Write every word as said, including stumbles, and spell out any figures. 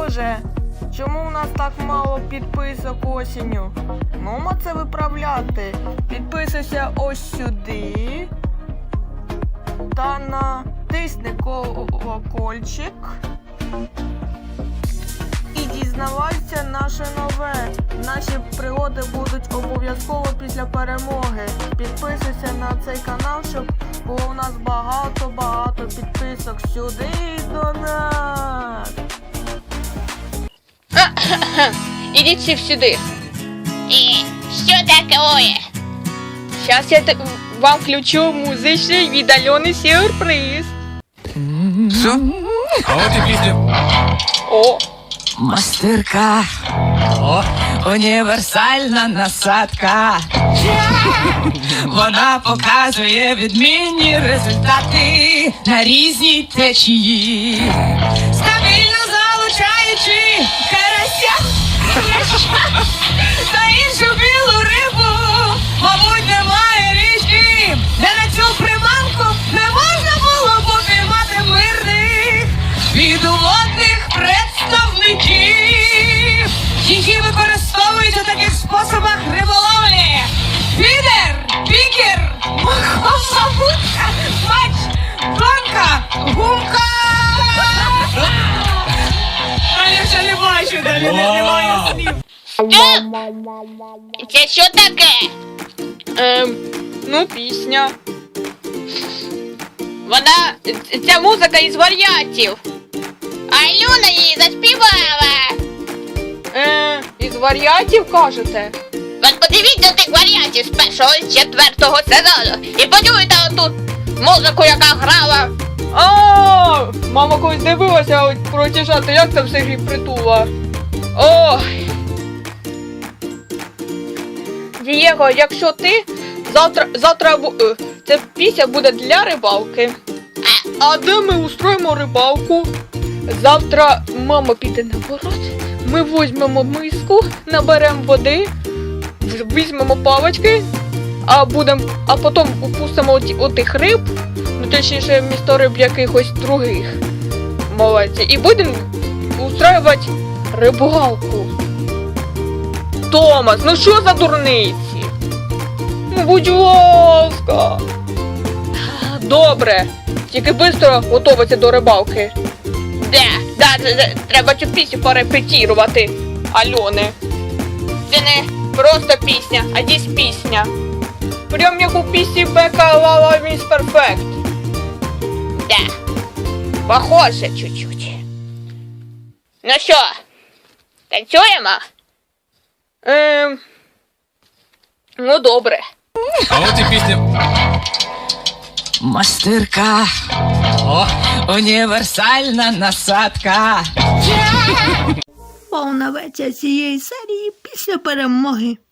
Боже, чому у нас так мало підписок осінню? Нумо це виправляти. Підписуйся ось сюди. Та натисни колокольчик. І дізнавайся наше нове. Наші пригоди будуть обов'язково після перемоги. Підписуйся на цей канал, щоб було у нас багато-багато підписок. Сюди до нас. Ідіть всі сюди. І що таке? Зараз я т- вам включу музичний віддалений сюрприз. Що? А от і пісня. О, Мастирка, О, універсальна насадка. Вона показує відмінні результати на різній течії, стабільно залучаючи карася та іншу білу рибу. Мабуть, немає річки, де на цю приманку не можна було попіймати мирних підводних представників, які використовують у таких способах риболовлі: фідер, пікер, маховка, мач, планка, гумка. А я ще не бачу, далі не немає слів. Що? Це що таке? ем, ну пісня. Вона, ця музика із варіантів. Альона її заспівала. Е, із варіантів кажете? От подивіться на тих варіантів з першого і з четвертого сезону. І почуйте отут музику, яка грала. А, мама колись дивилася от про тішати, як там все грі притула. Ой. Дієго, якщо ти завтра, завтра, бу- е, ця пісня буде для рибалки. А де ми устроїмо рибалку? Завтра мама піде на город, ми візьмемо миску, наберемо води, в- візьмемо палички, а будем, а потім упустимо оті, отих риб, ну точніше місто риб якихось других. Молодці. І будемо устроювати рибалку. Томас, ну що за дурниці? Ну, будь ласка. Добре. Тільки швидко готуватися до рибалки. Да, да, да, да, треба цю пісню порепетірувати, Альони. Це не просто пісня, а дійсно пісня. Прям як у пісні Бека Лала Міс Перфект. Да. Похоже чуть-чуть. Ну що, танцюємо? Ем... Ну добре. а от і пісня. Мастирка, О, універсальна насадка. Повна версія цієї серії після перемоги.